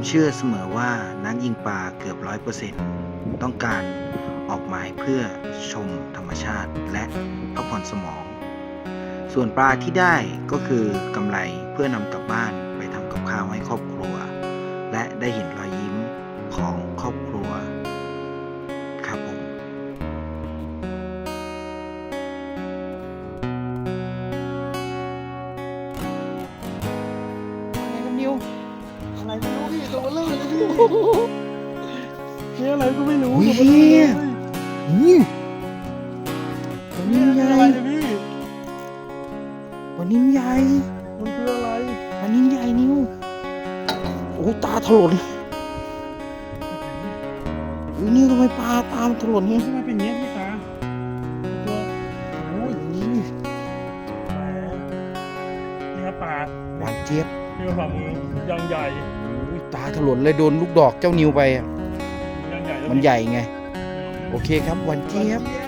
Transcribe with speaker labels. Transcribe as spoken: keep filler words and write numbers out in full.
Speaker 1: เชื่อเสมอว่านักยิงปลาเกือบร้อยเปอร์เซ็นต์ต้องการออกหมายเพื่อชมธรรมชาติและพักผ่อนสมอง ส่วนปลาที่ได้ก็คือกำไรเพื่อนำกลับบ้านไปทำกับข้าวให้ครอบครัว และได้เห็นรอยยิ้มของครอบครัวครับผม
Speaker 2: อะไรกันนิวอะไรไม่รู้พี่ตัวเบลอเลยพี่นี่อะไรก็ไม่รู้
Speaker 1: อุ้ย
Speaker 2: ตัวเบลอ
Speaker 1: เฮีย
Speaker 2: เลย
Speaker 1: อืมปลา
Speaker 2: นี่
Speaker 1: นิ่ม
Speaker 2: มัน
Speaker 1: ให
Speaker 2: คือ
Speaker 1: ญ่
Speaker 2: อะไรเนี่ยพี่
Speaker 1: ปลานิ่มใหญ่
Speaker 2: มันคืออะไร
Speaker 1: ปลานิ่มใหญ่นิวโอ้ตาถลนอุ้ยนี่ทำไมปลาตามนถลนเนี่ย
Speaker 2: ทำไมเป็นอย่างเงี้ยพี่ตาตัวโอ้ย
Speaker 1: นี่
Speaker 2: แหมนี่ครับปลา
Speaker 1: หวานเจี๊ยบ
Speaker 2: นี่มันฝ่ามือยังใหญ่
Speaker 1: อุ้ยตาถลนเลยโดนลูกดอกเจ้านิวไปอะ
Speaker 2: ยังใหญ่แล้ว
Speaker 1: มันใหญ่ไง โอเคครับหวานเจี๊ยบ
Speaker 2: เจี๊ย